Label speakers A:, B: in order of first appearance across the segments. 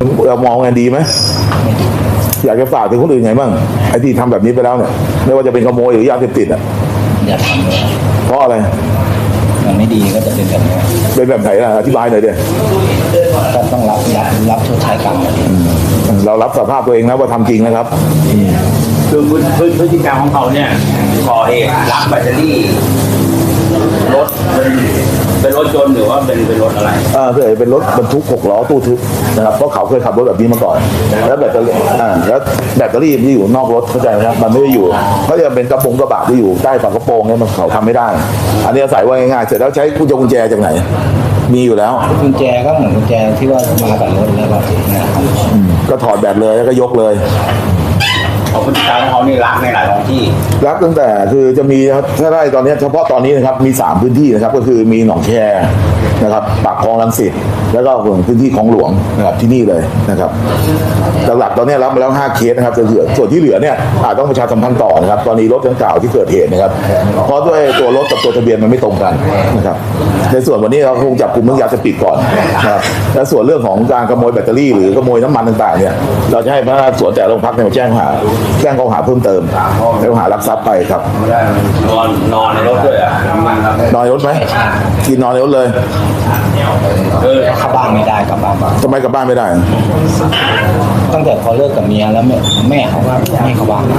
A: เรามองไงดีไหมอยากจะฝากถึงคนอื่นไงบ้างไอ้ที่ทำแบบนี้ไปแล้วเนี่ยไม่ว่าจะเป็นขโมยหรือยาเสพติดอ่ะ
B: อย่าทำเลย
A: เพราะอะไร
B: มันไม่ดีก็จะเป็นแบบนี้
A: เป็นแบบไหนล่ะอธิบายหน่อยดิ
B: ก็ต้องรับชดใช้กรรม
A: เรารับสภาพตัวเองนะว่าทำจริงนะครับ
C: คือพฤติกรรมของเขาเนี่ยก่อเหตุลักแบตเตอรี่รถเป็นรถยนต์หรือว่าเป็นรถอะไร
A: เคยเป็นรถบรรทุก6 ล้อตู้ทึบนะครับเพราะเขาเคยขับรถแบบนี้มาก่อนแล้วแบตเตอรี่แล้วแบตเตอรี่ที่อยู่นอกรถเข้าใจไหมครับมันไม่ได้อยู่เขาจะเป็นกระบะที่อยู่ใต้ฝากระโปรงเนี่ยมันเขาทำไม่ได้อันนี้อาศัยว่าง่ายๆเสร็จแล้วใช้กุญแจจากไหนมีอยู่แล้ว
B: กุญแจก็เหมือนกุญแจที่ว่ามากับรถแล้วก็นะครับ
A: ก็ถอดแบตเลยแล้วก็ยกเลย
C: พฤติกรรมของเขานี่รักในหลายท้องที่
A: รักตั้งแต่คือจะมีถ้าได้ตอนนี้เฉพาะตอนนี้นะครับมี3พื้นที่นะครับก็คือมีหนองแคนะครับปากคลองรังสิตแล้วก็พื้นที่ของหลวงนะครับที่นี่เลยนะครับหลักๆตอนนี้รับมาแล้ว5 เคสนะครับส่วนที่เหลือเนี่ยอาจต้องประชาสัมพันธ์ต่อนะครับตอนนี้รถดังกล่าวที่เกิดเหตุนะครับเพราะด้วยตัวรถกับตัวทะเบียนมันไม่ตรงกันนะครับในส่วนวันนี้เราคงจับกลุ่มเรื่องยาเสพติดก่อนนะครับและส่วนเรื่องของการขโมยแบตเตอรี่หรือขโมยน้ำมันต่างๆเนี่ยเราจะให้พนักงานสวนแต่โรงพักเนี่ยมาแจ้งข้อหาเพิ่มเติมแล้วข้อหารักทรัพย์ไปครับ
C: นอนในรถด้วยอ่ะ
A: นอนในรถไหมกินนอนในรถเลย
B: เข้าบ้านไม่ได้กลับบ้าน
A: ทำไมกลับบ้านไม่ได้
B: ตั้งแต่พอเลิกกับเมียแล้วแม่เขาก็ไม่เข้าบ้าน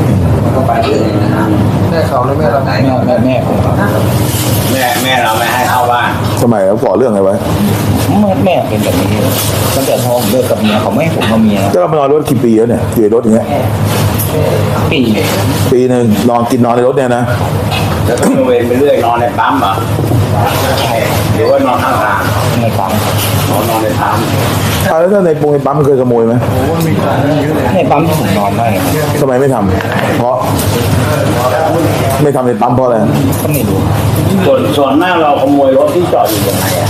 D: แม่เขาหรือแม่เรา
B: แม่ผมครับ
C: แม่เราไม่ให้เข้าบ้าน
A: ทำไมเขาก่อเรื่องอะไรไว้
B: แม่เป็นแบบนี้ตั้งแต่พอเลิกกับเมียเขาไม่ให้ผมกับเมีย
A: ก็มานอนรถกี่ปีแล้วเนี่ยอยู่ในรถอย่างเงี้ยปีนึงนอนในรถเนี่ยนะ
C: แล้วก็เวรไปเรื่อยนอนในปั๊มเหรอหรือว่านอนข้างทาง
B: ในปั๊ม
C: นอนในปั๊ม
A: แล้วถ้าในปั๊มเคยขโมยไหม
B: ในปั๊มที่ผมนอนได้
A: ทำไมไม่ทำเพราะไม่ทำในปั๊มเพราะอะไร
B: ก็ไม่รู้
C: ส่วนมากเราขโมยรถที่จอดอยู่ตรงไหนอ่ะ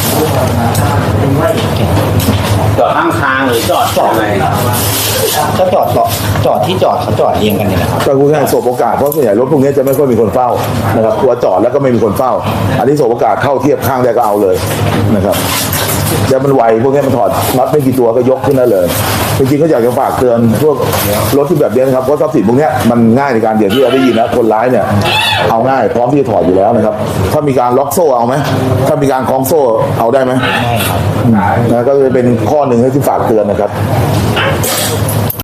C: จอดข้างทางหรือจอดไหน
B: ก็จอดที่จอดเขาจอดเองกันเนี่ยนะครับ
A: ก็คือง่ายสบโอกาสเพราะส่วนใหญ่รถพวกนี้จะไม่ค่อยมีคนเฝ้านะครับตัวจอดแล้วก็ไม่มีคนเฝ้าอันนี้สบโอกาสเข้าเทียบข้างได้ก็เอาเลยนะครับแล้วมันไวพวกนี้มันถอดน็อตไม่กี่ตัวก็ยกขึ้นได้เลยจริงๆก็อยากจะฝากเตือนพวกรถที่แบบนี้นะครับเพราะทรัพย์สินพวกนี้มันง่ายในการอย่างที่เราได้ยินนะคนร้ายเนี่ยเอาง่ายพร้อมที่จะถอดอยู่แล้วนะครับถ้ามีการล็อกโซ่เอาไหมถ้ามีการคล้องโซ่เอาได้ไหม
B: ไม่ครับ
A: นะก็จะเป็นข้อหนึ่งที่ฝากเตือนนะครับ